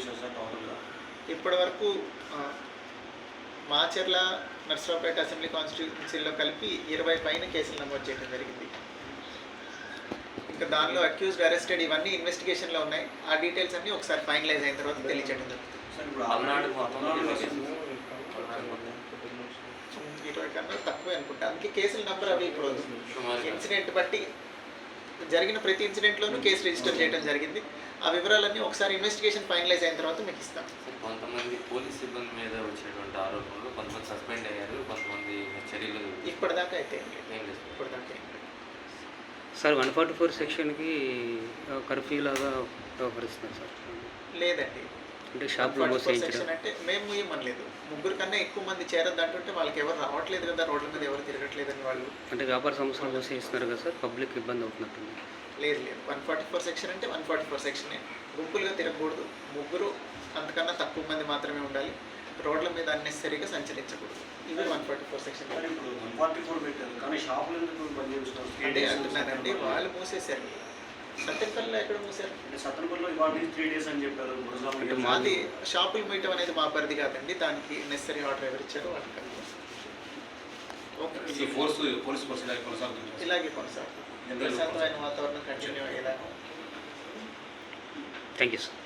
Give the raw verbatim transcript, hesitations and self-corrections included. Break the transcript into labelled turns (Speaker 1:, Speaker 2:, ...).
Speaker 1: చేశారు సార్ టోటల్గా?
Speaker 2: ఇప్పటి వరకు మాచర్ల నర్సరావుపేట అసెంబ్లీ కాన్స్టిట్యూన్సీలో కలిపి ఇరవై పైన కేసులు నమోదు చేయడం జరిగింది. ఇంకా దానిలో అక్యూజ్డ్, అరెస్టెడ్ ఇవన్నీ ఇన్వెస్టిగేషన్లో ఉన్నాయి. ఆ డీటెయిల్స్ అన్నీ ఒకసారి ఫైనలైజ్ అయిన తర్వాత తెలియచేయడం జరుగుతుంది. ఇరవై కన్నా తక్కువే అనుకుంటా. అందుకే కేసుల నెంబర్ అవి ఇప్పుడు ఇన్సిడెంట్ బట్టి జరిగిన ప్రతి ఇన్సిడెంట్లోనూ కేసు రిజిస్టర్ చేయడం జరిగింది. ఆ వివరాలన్నీ ఒకసారి ఇన్వెస్టిగేషన్ ఫైనలైజ్ అయిన తర్వాత మీకు ఇస్తాం.
Speaker 3: కొంతమంది పోలీస్ సిబ్బంది మీద వచ్చేటువంటి ఆరోపణలు, కొంతమంది సస్పెండ్ అయ్యారు, కొంతమంది చర్యలు
Speaker 2: ఇప్పటిదాకా అయితే ఇప్పటిదాకా
Speaker 4: సార్ వన్ ఫార్టీ ఫోర్ సెక్షన్కి కర్ఫ్యూ లాగా వ్యవహరిస్తున్నారు సార్?
Speaker 2: లేదండి,
Speaker 4: అంటే షాప్లో
Speaker 2: సెక్షన్ అంటే మేము ఏమనలేదు. ముగ్గురు కన్నా ఎక్కువ మంది చేరద్దు అంటుంటే వాళ్ళకి ఎవరు రావట్లేదు కదా, రోడ్ల మీద ఎవరు తిరగట్లేదని వాళ్ళు
Speaker 4: అంటే వ్యాపార సంస్థలు మూసేస్తున్నారు కదా సార్, పబ్లిక్ ఇబ్బంది అవుతున్నట్టుంది.
Speaker 2: లేదు లేదు, వన్ ఫార్టీ ఫోర్ సెక్షన్ అంటే వన్ ఫార్టీ ఫోర్ సెక్షనే. గుంపులుగా తిరగకూడదు, ముగ్గురు అంతకన్నా తక్కువ మంది మాత్రమే ఉండాలి, రోడ్ల మీద అన్నెసరీగా సంచరించకూడదు. ఇవి వన్ ఫార్టీ ఫోర్ సెక్షన్. అంటే అంటున్నానండి, వాళ్ళు మూసేశారు. సత్యపల్లిలో ఎక్కడ మూసారు?
Speaker 1: సత్యపల్లిలో ఇవాళ త్రీ డేస్ అని చెప్పారు.
Speaker 2: అది షాపులు మీయటం అనేది మా పరిధి కాదండి, దానికి నెసరీ ఆర్డర్ ఎవరు ఇచ్చారో వాళ్ళకి ఇలాగే కొనసాగుతుంది. ప్రశాంతమైన వాతావరణం కంటిన్యూ అయ్యేలాగా.
Speaker 4: Thank you sir.